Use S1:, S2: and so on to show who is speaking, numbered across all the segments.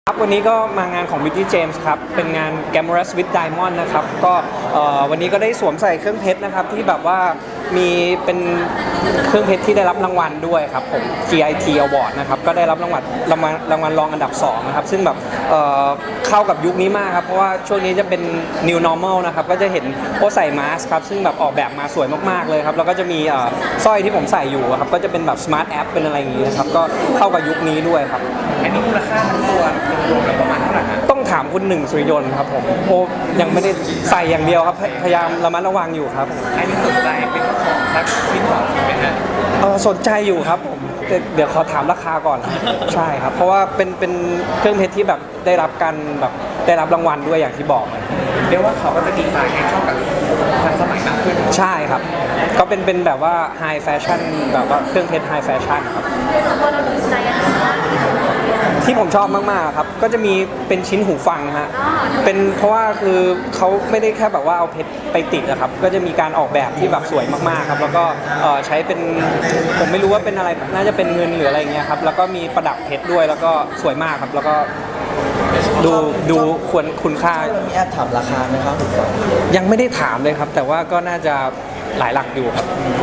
S1: ครับวันนี้ก็มางานของ Beauty James ครับเป็นงาน Glamorous with Diamond นะครับก็วันนี้ก็ได้สวมใส่เครื่องเพชรนะครับที่แบบว่ามีเป็นเครื่องเพชรที่ได้รับรางวัลด้วยครับผม GIT Award นะครับก็ได้รับรางวัลรองอันดับ2นะครับซึ่งแบบเข้ากับยุคนี้มากครับเพราะว่าช่วงนี้จะเป็น New Normal นะครับก็จะเห็นโอใส่มาสก์ครับซึ่งแบบออกแบบมาสวยมากๆเลยครับแล้วก็จะมีสร้อยที่ผมใส่อยู่ครับก็จะเป็นแบบ Smart App เป็นอะไรอย่างงี้นะครับก็เข้ากับยุคนี้ด้วยครับ
S2: อันนี้มูลค่าทั้งตัวรวมแล้วประมาณเท่าไหร่ฮะ
S1: ต้องถามคุณหนึ่งสุริยนต์ครับผมโอ้ยังไม่ได้ใส่อย่างเดียวครับพยายามระมัดระวังอยู่ครับ
S2: อันนี้สนใจเป็นของสักชิ้นสองไหมฮะ
S1: สนใจอยู่ครับผมเดี๋ยวขอถามราคาก่อนใช่ครับเพราะว่าเป็นเครื่องเพชรที่แบบได้รับการแบบได้รับรางวัลด้วยอย่างที่บอกเลย
S2: เรียกว่าเขาก็จะดีไซน์ให้เข้ากับทันสมัยมากขึ้น
S1: ใช่ครับก็เป็นแบบว่าไฮแฟชั่นแบบว่าเครื่องเพชรไฮแฟชั่นครับที่ผมชอบมากๆครับก็จะมีเป็นชิ้นหูฟังฮะเป็นเพราะว่าคือเขาไม่ได้แค่แบบว่าเอาเพชรไปติดนะครับก็จะมีการออกแบบที่แบบสวยมากๆครับแล้วก็ใช้เป็นผมไม่รู้ว่าเป็นอะไรน่าจะเป็นเงินหรืออะไรเงี้ยครับแล้วก็มีประดับเพชรด้วยแล้วก็สวยมากครับแล้วก็ดูควรคุณค่า
S3: มีแอบถามราคาไหมครับหูฟัง
S1: ยังไม่ได้ถามเลยครับแต่ว่าก็น่าจะหลายหลักอยู่ครับ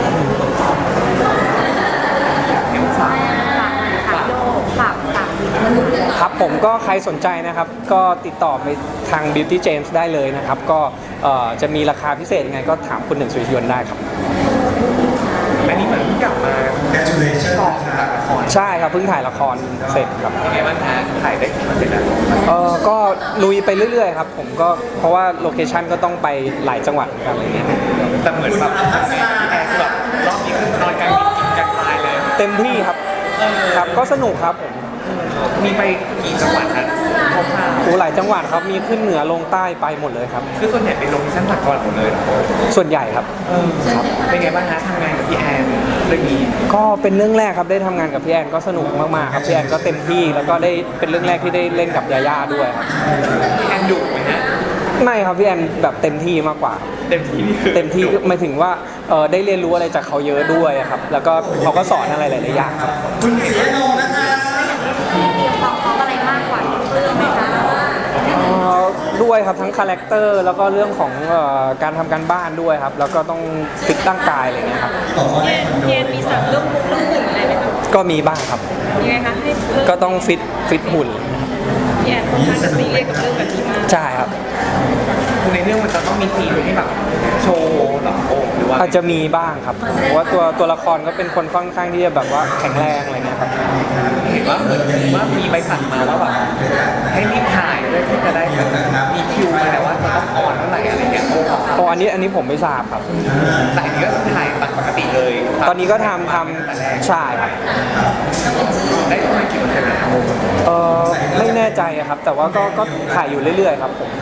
S1: ครับผมก็ใครสนใจนะครับก็ติดต่อไปทาง Beauty James ได้เลยนะครับก็จะมีราคาพิเศษยังไงก็ถามคุณหนึ่งสุริยนต์ได้ครับ
S2: อันนี้เหมือนกลับมากองถ่ายละคร
S1: ใช่ครับเพิ่งถ่ายละครเสร็จครับ
S2: ยังไงบ้างฮะถ่ายได้กี่เปอร์เซ็นต์แล้ว
S1: ก็ลุยไปเรื่อยๆครับผมก็เพราะว่าโลเคชั่นก็ต้องไปหลายจังหวัดกันอะไรเงี้ย
S2: แต่เหมือนแบบแอร์แบบรอบนี้คือนอนกลางดินกินกลางทรายเลย
S1: เต็มที่ครับครับก็สนุกครับผม
S2: มีไปกี่จังหวัดฮะ
S1: โอ้หลายจังหวัดครับมีขึ้นเหนือลงใต้ไปหมดเลยครับ
S2: คือส่วนใหญ่เป็นโลเคชั่นต่างจังหวัดหมดเลย
S1: ส่วนใหญ่ครับ
S2: ครับเป็นไงบ้างฮะทำงานกับพี่แอนเรื่องนี้
S1: ก็เป็นเรื่องแรกครับได้ทำงานกับพี่แอนก็สนุกมากๆครับพี่แอนก็เต็มที่แล้วก็ได้เป็นเรื่องแรกที่ได้เล่นกับยาย่าด้วยครับ
S2: พี่แอนดุไหมฮะ
S1: ไม่ครับพี่แอนแบบเต็มที่มากกว่า
S2: เต็มที่นี่คือ
S1: เต็มที่หมายถึงว่าได้เรียนรู้อะไรจากเขาเยอะด้วยครับแล้วก็เขาก็สอนอะไรหลายๆอย่างครับ
S3: คุณเสียโนนะคะ
S4: มีความพร้อมอะไรมากกว่าเรื่องไหมคะ
S1: ด้วยครับทั้งคาแรคเตอร์แล้วก็เรื่องของการทำการบ้านด้วยครับแล้วก็ต้องฟิตร่างกายอะไรเงี้ยครับ
S4: เย็นมีสั่งเรื่องมุกเรื่องหุ่นอะไรไหมคะ
S1: ก็มีบ้างครับ
S4: ยังไงคะให้เพิ่ม
S1: ก็ต้องฟิตหุ่น
S4: พี่แอนค่อนข้างจะซีเรียสกับเรื่องแบบนี้มาก
S1: ใช่ครับ
S2: ในเรื่องมันจะต้องมีซีนให้แบบโชว์หรอโอ้หรือว่า
S1: อาจจะมีบ้างครับเพราะว่าตัวละครก็เป็นคนค่อนข้างที่จะแบบว่าแข็งแรงอะไรเงี้ยครับ
S2: เห็นว่าเหมือนว่ามีใบสั่งมาว่าแบบให้รีบถ่ายด้วยที่จะได้มีคิวมาแต่ว่าจะต้องออนเมื่อไหร่อะไรเงี้ย
S1: โอ้อันนี้ผมไม่ทราบครับ
S2: แต่อันนี้ก็ถ่ายปกติเลย
S1: ตอนนี้ก็ทำใช่ครับ
S2: ได้ประมาณกี่เปอร์เซ็นต์แล้ว
S1: ไม่แน่ใจครับแต่ว่าก็ถ่ายอยู่เรื่อยๆครับผม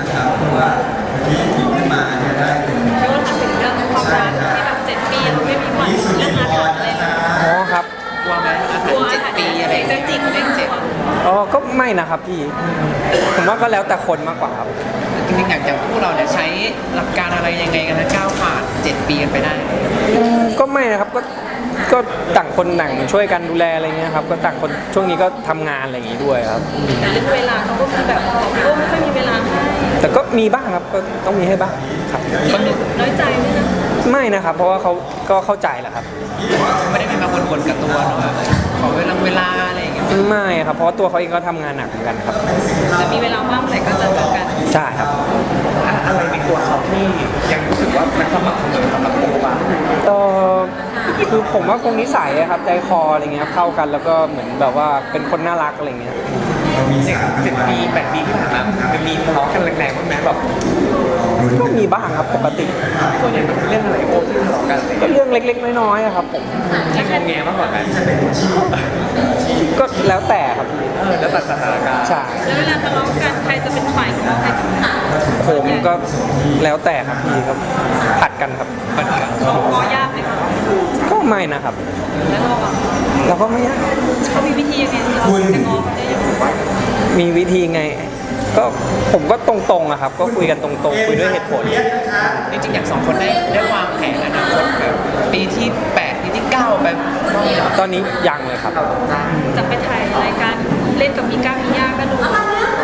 S4: แล้วก็ถามถึงเรื่องความรักที่แบบ7 ปีเราไม่มีวันเรื่องอาถรรพ์เลย
S1: อ๋อครับ
S2: กลัวไหมอาถรรพ์7 ปีอะไร
S4: จะจิกเลข7
S1: ก็ไม่นะครับพี่ผมว่าก็แล้วแต่คนมากกว่าครับ
S5: จริงๆอย่างคู่เราเนี่ยใช้หลักการอะไรยังไงกันนะก้าวผ่าน7 ปีกันไปได้
S1: ก็ไม่นะครับก็ต่างคนต่างช่วยกันดูแลอะไรเงี้ยครับก็ต่างคนช่วงนี้ก็ทำงานอะไรอย่างงี้ด้วยครับ
S4: แต่เรื่องเวลาเขาก็คือแบบไม่ค่อยมีเวลาให้
S1: แต่ก็มีบ้างครับก็ต้องมีให้บ้างครับ
S4: น้อยใจไหมนะ
S1: ไม่นะครับเพราะว่าเขาก็เข้าใจแหละครับ
S5: ไม่ได้เป็นมาบ่นๆกับตัวเนาะขอเวลาอะไรอย่างเงี้ย
S1: ไม่ครับเพราะว่าตัวเขาเองก็ทำงานหนักเหมือนกันครับ
S4: จะมีเวลาว่างแต่ก็จะเจอกัน
S1: ใช่ครับ
S2: อะไรในตัวเขาที่ยังรู้สึกว่ามันสม่ำเสมอสำหรับโบบ้าง
S1: คือผมว่าคงนิสัยครับใจคออะไรเงี้ยเข้ากันแล้วก็เหมือนแบบว่าเป็นคนน่ารักอะไรเงี้ย
S2: 7 ปี8 ปีที่ผ่านมามันมีทะเลาะกันแรงๆบ้างไหมแบบ
S1: ก็มีบ้างครับปกติ
S2: ส่วนใหญ่เป็นเรื่องอะไรโอ้ที่ทะเลาะกัน
S1: ก็เรื่องเล็กๆน้อยๆครับผม
S2: ที่งงแงมากกว่ากัน
S1: ก็แล้วแต่ครับ
S2: แล้วแต่สถานการณ์
S1: ใช่
S4: แล้วเวลาทะเลาะกันใครจะเป็นฝ่ายของใครจะเป็นฝ่าย
S1: ผมก็แล้วแต่ครับพี่ครับผัดกันครับผัดกัน
S4: เขาง้อยากไหมคะ
S1: ก็ไม่นะครับ
S4: แล้ว
S1: เราก็ไม่ยาก
S4: เขามีวิธียังไงที่เราจะง้อเขาได้ยัง
S1: มีวิธีไงก็ผมก็ตรงๆอะครับก็คุยกันตรงๆคุยด้วยเหตุผล
S5: จริงๆอย่าง2 คนได้วางแผนอนาคตแบบปีที่8ปีที่9ไป
S1: ตอนนี้ยังเลยครับ
S4: จะไปถ่ายรายการเล่นกับมีก้ามีย่าก็ดู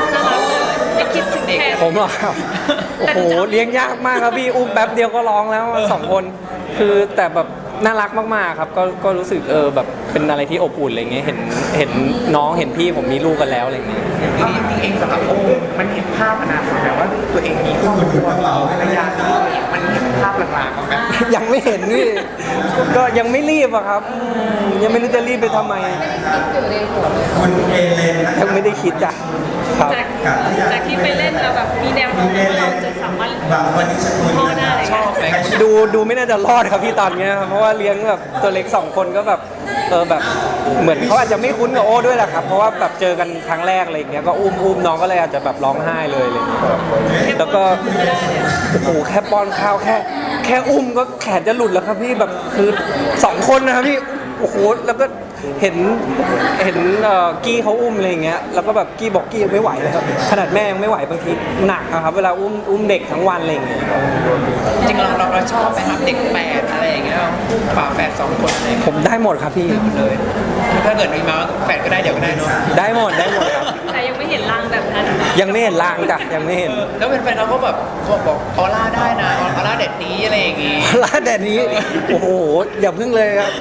S4: คิดถึงแทน
S1: ผมเหรอครับโอ้โหเลี้ยงยากมากครับพี่อุ้มแป๊บเดียวก็ร้องแล้วสองคนคือแต่แบบน่ารักมากๆครับก็รู้สึกแบบเป็นอะไรที่อบอุ่นอะไรเงี้ยเห็นน้องเห็นพี่ผมมีลูกกันแล้วอะไรเงี้ย
S2: จริงๆเองสำหรับโอ้มันเห็นภาพอนาคตแบบว่าตัวเองมีครอบครัวภรรยามันเห็นภาพลางๆของแบบ
S1: ยังไม่เห็นพี่ก็ยังไม่รีบอะครับยังไม่รู้จะรีบไปทำไม
S3: คุณเอเลนนะครั
S1: ยั
S3: บ
S1: งไม่ได้คิดจ้ะครับ
S4: จากที่ไปเล่นแล้วแบบมีแนวโน้มว่าเราจะสามารถ
S3: บางวันนี้สกุล
S4: พ่อได้อะไร
S5: ชอบไหม
S1: ดูไม่น่าจะรอดครับพี่ตอนเนี้ยครับเพราะว่าเลี้ยงแบบตัวเล็ก2คนก็แบบแบบเหมือนเขาอาจจะไม่คุ้นกับโอ้ด้วยแหละครับเพราะว่าแบบเจอกันครั้งแรกอะไรอย่างเงี้ยก็อุ้มน้องก็เลยอาจจะแบบร้องไห้เลยอะไรอย่างเงี้ยแล้วก็โอ้โหแค่ป้อนข้าวแค่อุ้มก็แขนจะหลุดแล้วครับพี่แบบคือ2คนนะครับพี่โอ้โหแล้วก็เห็นกี้เขาอุ้มอะไรอย่างเงี้ยแล้วก็แบบกี้บอกกี้ยังไม่ไหวเลยครับขนาดแม่ยังไม่ไหวบางทีหนักอะครับเวลาอุ้มเด็กทั้งวันอะไรอย่างเงี้ย
S5: จริงๆเราชอบไหมครับเด็กแฝดอะไรอย่างเงี้ยฝาแฝด2 คนอะไรอย่าง
S1: ผ
S5: เงี้ย
S1: มได้หมดครับพี่
S5: เลยถ้าเกิดมีมาแฝดก็ได้เดี๋ยวก็ได้เนาะ
S1: ได้หมดครับ
S4: แต่ยังไม่เห็นร่างแบบนั้น
S1: ยังไม่เห็นลางจ้ะยังไม่เห็น
S5: แล้วแฟนๆเราก็แบบบอกออร่าได้นะออร่าเด็ดนี้อะไรอย่างงี้
S1: ร้านแดดนี้โอ้โหอย่าพึ่งเลยครับ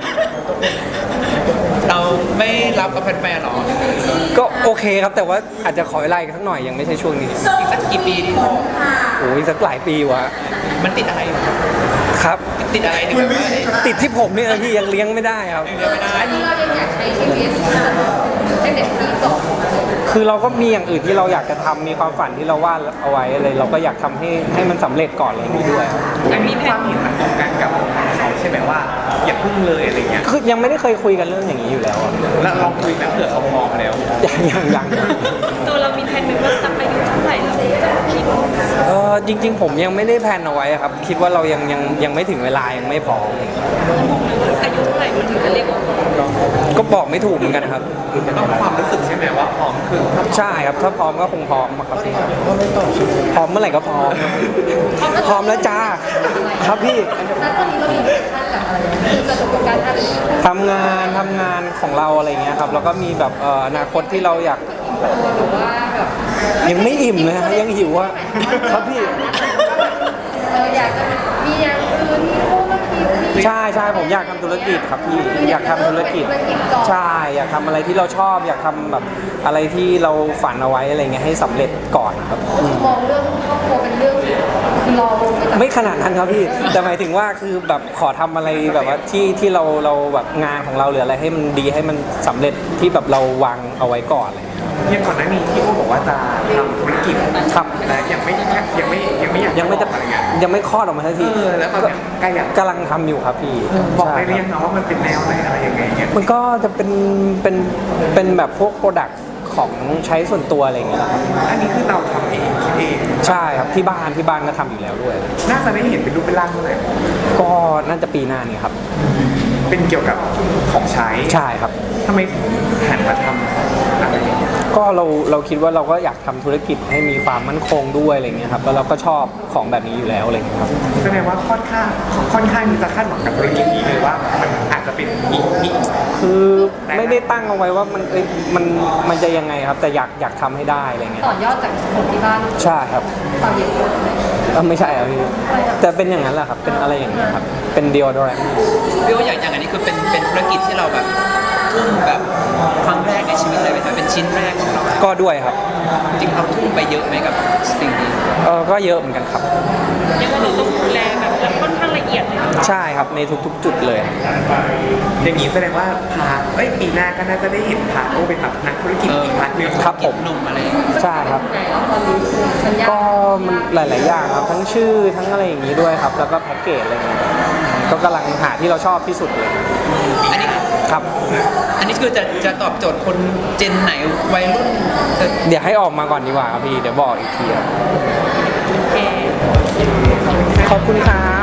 S5: เราไม่รับกับแฟนๆหรอ
S1: ก็โอเคครับแต่ว่าอาจจะขอเวลาอีกสักหน่อยยังไม่ใช่ช่วงนี้
S5: อีกสักกี่ปีดีพ่อ
S1: โอ้ยสักหลายปีวะ
S5: มันติดอะไรอยู่
S1: ครับ
S5: ติดอะไรถึงแบบว่าเอ๊ะ
S1: ติดที่ผมเนี่ยพี่ยังเลี้ยงไม่ได้ครับ
S5: เดี๋ยวไม่ได้
S4: เรายังอยากใช้ชีวิตเป็นเด็กปีสอง
S1: คือเราก็มีอย่างอื่นที่เราอยากจะทำมีความฝันที่เราวาดเอาไว้อะไรเราก็อยากทำให้มันสำเร็จก่อนอะไรอย่างนี้ด้วยครับ
S2: อันนี้ความเห็นมันตรงกันกับเขาใช่ไหมว่าอย่าพึ่งเลยอะไรเงี้ย
S1: คือยังไม่ได้เคยคุยกันเรื่องอย่างนี้อยู่แล้วอะ
S2: แล้วลองคุยแล้วเผื่อเขาพร้อมแล้ว
S1: ยัง
S4: ตัวเรามีแผนไหมว่าสักอายุเท่าไหร่เราจะคิด
S1: จริง ๆ ผมยังไม่ได้แพลนเอาไว้ครับคิดว่าเรายังไม่ถึงเวลายังไม่พร้อม
S4: อายุเท่าไหร่มันถึงจะเรียกว่าพร้อม
S1: ก็บอกไม่ถูกเหมือนกันครับ
S2: ต้องความรู้สึกใช่ไหมว่าพร้อมคือถ้า
S1: ใช่ครับถ้าพร้อมก็คงพร้อมอะครับพี่พร้อมเมื่อไหร่ก็พร้อมครับพร้อมแล้วจ้าครับพี่
S4: แล้วตอนนี้เรามีท่านกับอะไรคือจะโฟกัสอะไร
S1: ทำงานของเราอะไรเงี้ยครับแล้วก็มีแบบอนาคตที่เราอยาก
S4: หรือว่าแบบ
S1: ยังไม่อิ่มเลยฮะยังหิวอะครับพี่
S4: อยากจะมีอย่างอื่นมีธุรกิจมี
S1: ใช่ผมอยากทำธุรกิจครับพี่อยากทำธุรกิจใช่อยากทำอะไรที่เราชอบ อยากทำแบบอะไรที่เราฝันเอาไว้อะไรเงี้ยให้สำเร็จก่อนนะครับ
S4: มองเรื่องครอบครัวเป็นเรื่องคือเรา
S1: ไม่ขนาดนั้นครับพี่แต่หมายถึงว่าคือแบบขอทำอะไรแบบว่าที่เราแบบงานของเราหรืออะไรให้มันดีให้มันสำเร็จที่แบบเราวางเอาไว้ก่อนอะไรเลย
S2: อย่างก่อนหน้านี้ที่โอ้บอกว่าจะทำธุรกิจ
S1: ครับ
S2: แต่ยังไม่อยาก
S1: ยังไม่จะ
S2: บอกอะไรเงี้ย
S1: ยังไม่คลอดออกมาสักที
S2: แล้วตอนเนี้ยใกล้อยาก
S1: กำลังทำอยู่ครับพี่
S2: บอกได้ห
S1: ใช่
S2: รือยังนะว่ามันเป็นแนวไหนอะไรยังไงเงี้ย
S1: มันก็จะเป็นแบบพวกโปรดักต์ของใช้ส่วนตัวอะไรอย่างเงี้ยครับ
S2: อันนี้คือเราทำเองคิดเอง
S1: ใช่ครับที่บ้านก็ทำอยู่แล้วด้วย
S2: น่าจะได้เห็นเป็นรูปเป็นร่างเมื่อไหร่
S1: ก็น่าจะปีหน้านี่ครับ
S2: เป็นเกี่ยวกับของใช้
S1: ใช่ครับ
S2: ทำไมถึงหันมาทำอะไรอย่างเงี้ย
S1: ก็เราคิดว่าเราก็อยากทำธุรกิจให้มีความมั่นคงด้วยอะไรเงี้ยครับแล้วเราก็ชอบของแบบนี้อยู่แล้วอะไรเงี้ยครับ
S2: แสดงว่าค่อนข้างที่จะคาดหวังกับธุรกิจนี้เลยว่ามันอาจจะเป็นอีก
S1: คือไม่ได้ตั้งเอาไว้ว่ามันจะยังไงครับ แต่อยากทำให้ได้อะไรเงี้ย
S4: ต่อยอดจากคนที่บ้าน
S1: ใช่ครับ
S4: ตอนเย็น
S1: ไม่ใช่ครับพี่แต่เป็นอย่างนั้นแหละครับเป็นอะไรอย่างเงี้ยครับเป็นเดียวด้วย
S5: พี่ว่าอย่างอันนี้คือเป็นธุรกิจที่เราแบบทุ่มแบบครั้งแรกในชีวิตเลยไหมครับเป็นชิ้นแรกของเรา
S1: ก็ด้วยครับ
S5: จริงเราทุ่มไปเยอะไหมกับสิ่งนี้
S1: ก็เยอะเหมือนกันครับ
S4: ยังว่าเราต้องดูแลแบบแล้วค่อนข้างละเอียดเลย
S1: ใช่ครับในทุกๆ จุดเลย
S2: อย่างนี้แสดงว่าปีหน้าก็น่าจะได้เห็นพาโอเป็นแบบนักธุรกิจอีกพาร์ทหนึง
S1: ครับผม
S5: หนุ่มอะไรอย่างเงี้ย
S1: ใช่ครับ
S4: ตอนนี้สัญญา
S1: ก็มันหลาย ๆ อย่างครับทั้งชื่อทั้งอะไรอย่างนี้ด้วยครับ แล้วก็แพ็กเกจอะไรเงี้ยก็กำลังหาที่เราชอบที่สุดเลย
S5: อันนี้
S1: ครับ
S5: อันนี้คือจะตอบโจทย์คนเจนไหนวัยรุ่นจะ
S1: เดี๋ยวให้ออกมาก่อนดีกว่าครับพี่เดี๋ยวบอกอีกทีครับ
S4: โอเค
S1: ขอบคุณครับ